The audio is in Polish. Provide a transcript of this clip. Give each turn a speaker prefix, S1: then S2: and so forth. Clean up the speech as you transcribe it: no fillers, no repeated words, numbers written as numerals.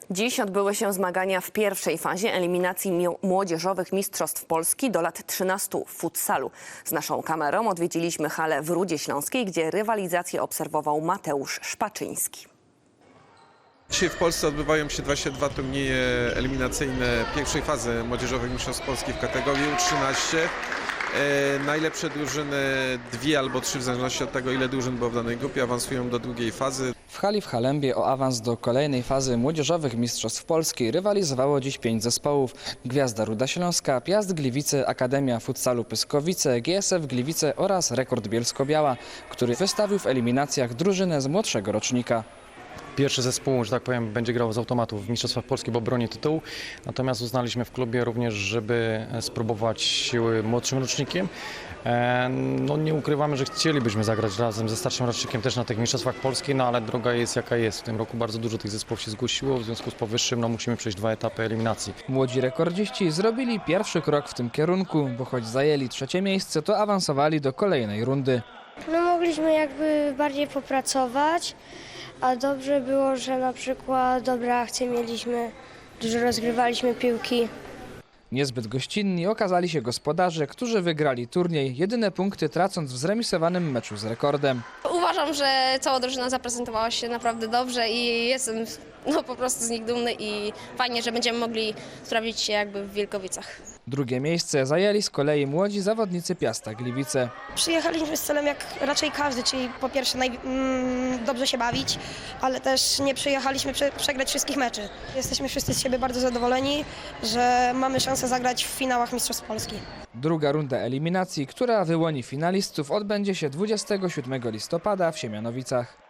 S1: Dziś odbyły się zmagania w pierwszej fazie eliminacji młodzieżowych mistrzostw Polski do lat 13 w futsalu. Z naszą kamerą odwiedziliśmy halę w Rudzie Śląskiej, gdzie rywalizację obserwował Mateusz Szpaczyński.
S2: Dzisiaj w Polsce odbywają się 22 turnieje eliminacyjne pierwszej fazy młodzieżowych mistrzostw Polski w kategorii U13. Najlepsze drużyny, 2 albo 3 w zależności od tego, ile drużyn było w danej grupie, awansują do drugiej fazy.
S3: W hali w Halembie o awans do kolejnej fazy młodzieżowych mistrzostw Polski rywalizowało dziś 5 zespołów. Gwiazda Ruda Śląska, Piast Gliwice, Akademia Futsalu Pyskowice, GSF Gliwice oraz Rekord Bielsko-Biała, który wystawił w eliminacjach drużynę z młodszego rocznika.
S4: Pierwszy zespół, że tak powiem, będzie grał z automatu w Mistrzostwach Polski, bo broni tytułu. Natomiast uznaliśmy w klubie również, żeby spróbować siły młodszym rocznikiem. No nie ukrywamy, że chcielibyśmy zagrać razem ze starszym rocznikiem też na tych Mistrzostwach Polski, no ale droga jest jaka jest. W tym roku bardzo dużo tych zespołów się zgłosiło, w związku z powyższym no musimy przejść 2 etapy eliminacji.
S3: Młodzi rekordziści zrobili pierwszy krok w tym kierunku, bo choć zajęli 3. miejsce, to awansowali do kolejnej rundy.
S5: No mogliśmy jakby bardziej popracować, a dobrze było, że na przykład dobre akcje mieliśmy, dużo rozgrywaliśmy piłki.
S3: Niezbyt gościnni okazali się gospodarze, którzy wygrali turniej, jedyne punkty tracąc w zremisowanym meczu z Rekordem.
S6: Uważam, że cała drużyna zaprezentowała się naprawdę dobrze i jestem po prostu z nich dumny i fajnie, że będziemy mogli sprawdzić się jakby w Wilkowicach.
S3: Drugie miejsce zajęli z kolei młodzi zawodnicy Piasta Gliwice.
S7: Przyjechaliśmy z celem jak raczej każdy, czyli po pierwsze dobrze się bawić, ale też nie przyjechaliśmy przegrać wszystkich meczy. Jesteśmy wszyscy z siebie bardzo zadowoleni, że mamy szansę zagrać w finałach Mistrzostw Polski.
S3: Druga runda eliminacji, która wyłoni finalistów, odbędzie się 27 listopada w Siemianowicach.